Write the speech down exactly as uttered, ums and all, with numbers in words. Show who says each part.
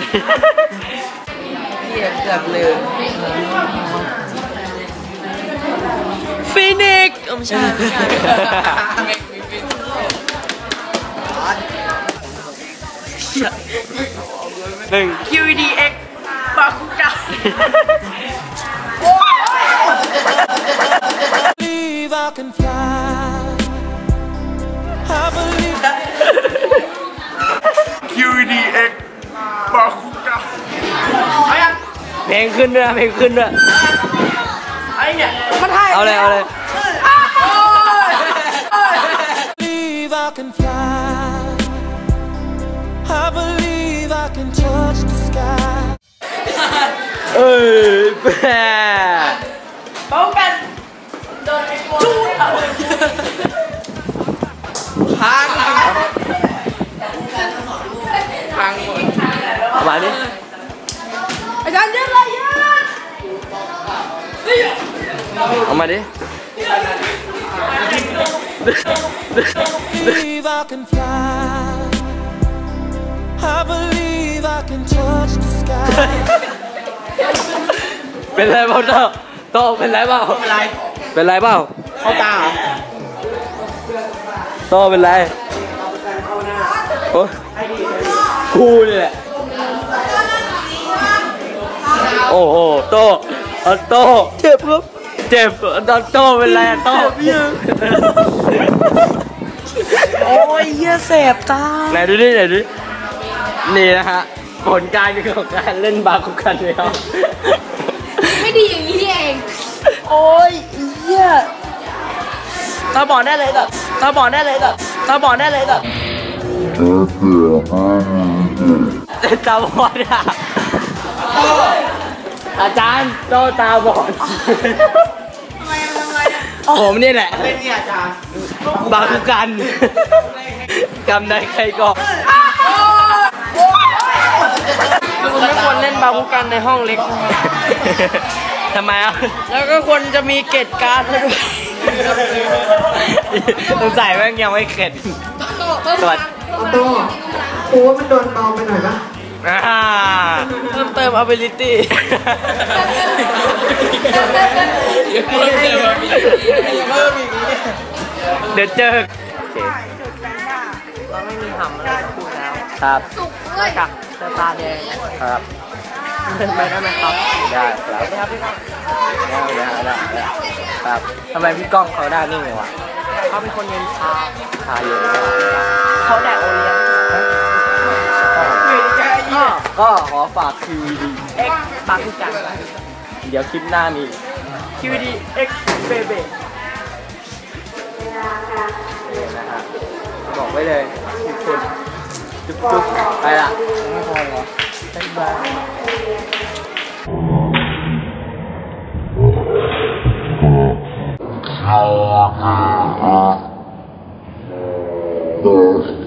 Speaker 1: เกียเกือบลืมฟินิกซ์ไม่ใช่
Speaker 2: หนึ่ง
Speaker 1: คิว ดี เอ็กซ์ บาคุกะ
Speaker 3: คิว ดี เอ็กซ์ บาคุกะ
Speaker 2: เพลงขึ้นด้วยเพลงขึ้นด้วย
Speaker 1: ไอ้เนี่ยมันให้
Speaker 2: เอาเลยเอาเลยเอ้ยแปะ
Speaker 1: เป้ากันโดนไอ้จูดพังพังหมด
Speaker 2: ประมาณนี้
Speaker 1: อาจารย์เยอะเลยเยอะ
Speaker 2: เอามาดิเป็นไรเปล่าโตโตเป็นไรเปล่าเป็นไรเป็นไรเปล่า
Speaker 1: เข้าตา
Speaker 2: โตเป็นไรโอ้กูนี่แหละโอ้โหโตโตเจ็บครับเจ็บตอนโตเป็นไรโต
Speaker 1: โอ้ยเยี่ยแสบตา
Speaker 2: ไหนดูดิไหนดูนี่นะฮะผลการของการเล่นบาคุกันเลยครับ
Speaker 4: ไม่ดีอย่างนี้เอง
Speaker 1: โอ้ยเยี่ยตาบอดได้เลยแบบตาบอดได้เลยแบบตาบอดได้เลยแบบ
Speaker 2: ตาบอดอ่ะอาจารย์โตตาบอด
Speaker 4: ทำไมทำไม
Speaker 2: ผมนี่แหละ
Speaker 1: เป็นเนี่ยอาจารย์
Speaker 2: บาคุกันกำได้ใครก่อน
Speaker 1: คุณไม่ควรเล่นบาคุกันในห้องเล็ก
Speaker 2: ทำไมอ่ะ
Speaker 1: แล้วก็ควรจะมีเกตการ์ดด้วย
Speaker 2: สงสัยแม่งยังไม่เข็ดสวัสดี
Speaker 5: โต้โอ้มันโดนเบาไปหน่อยปะ
Speaker 1: เพิ่มเติม ability
Speaker 2: เดี๋ยวเจอ
Speaker 1: เราไม่มีหำอะไรพูดแล้ว
Speaker 2: ครับ
Speaker 4: สุกเลย
Speaker 1: กับตาแดง
Speaker 2: ครับ
Speaker 1: เป็นไปได้ไหมครับ
Speaker 2: ได้ครับได้ได้ได้ครับทำไมพี่ก้องเขาได้นิ่งเลยวะ
Speaker 1: เขาเป็นคนเย็นชา
Speaker 2: ชาเย็น
Speaker 1: เขาแดกโอเลี้ยง
Speaker 2: ก็ขอฝาก คิว ดี
Speaker 1: เอ็กซ์ บาคุกัน
Speaker 2: เดี๋ยวคลิปหน้ามี
Speaker 1: คิว ดี เอ็กซ์ เบเบ้
Speaker 2: นะครับบอกไว้เลยทุกคนจุ๊บจุ๊บไปละไม่พอเหรอบ๊ายบาย